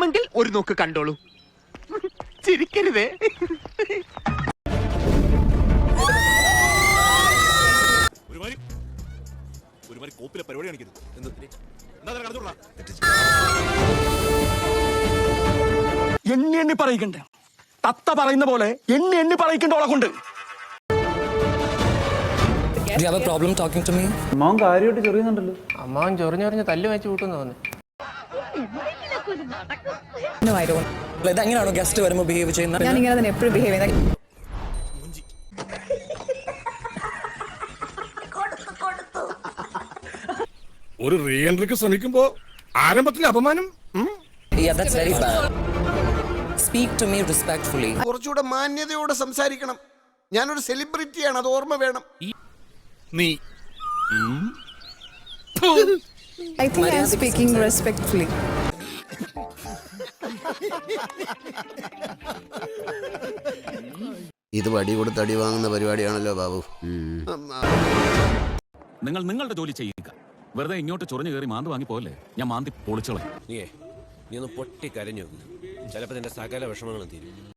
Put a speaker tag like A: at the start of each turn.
A: വേണമെങ്കിൽ ഒരു നോക്ക് കണ്ടോളൂ. ചിരിക്കരുതേ.
B: കോപ്പിലെ പരിപാടി കാണിക്കരുത്.
C: എണ്ണി എണ്ണി പറയിക്കണ്ടേ? തത്ത പറയുന്ന പോലെ എണ്ണി എണ്ണി പറയിക്കണ്ടോളെ കൊണ്ട്.
D: Do you have a problem talking to me?
E: അമ്മാവൻ കാര്യമായിട്ട് ചെറിയുന്നുണ്ടല്ലോ.
F: അമ്മാവൻ ചൊറിഞ്ഞൊറിഞ്ഞ് തല്ലു വെച്ച് കൂട്ടുന്നു തോന്നുന്നു.
D: No, I don't. ഇതെങ്ങനെയാണോ ഗസ്റ്റ് വരുമ്പോൾ ബിഹേവ് ചെയ്യുന്നത്?
G: ഞാൻ ഇങ്ങനെ തന്നെ എപ്പോഴും ബിഹേവ് ചെയ്യുന്നത്.
B: ഒരു റീ എൻട്രിക്ക് ശ്രമിക്കുമ്പോ ആരംഭത്തിൽ അപമാനം.
D: Yeah, that's very bad. Speak to me respectfully.
H: കുറച്ചുകൂടെ മാന്യതയോടെ സംസാരിക്കണം. ഞാനൊരു സെലിബ്രിറ്റിയാണ്, അത് ഓർമ്മ വേണം.
B: നീ
G: I think I am speaking respectfully.
H: ഇത് വടി കൊടുത്ത് അടി വാങ്ങുന്ന പരിപാടിയാണല്ലോ ബാബു.
I: നിങ്ങൾ നിങ്ങളുടെ ജോലി ചെയ്യുക. വെറുതെ ഇങ്ങോട്ട് ചൊറിഞ്ഞു കയറി മാന്തി വാങ്ങി പോലെ ഞാൻ മാന്തി പൊളിച്ചോളെ.
J: നീ ഒന്ന് പൊട്ടി കരഞ്ഞു. ചിലപ്പോൾ നിന്റെ സകല വിഷമങ്ങളും തീരും.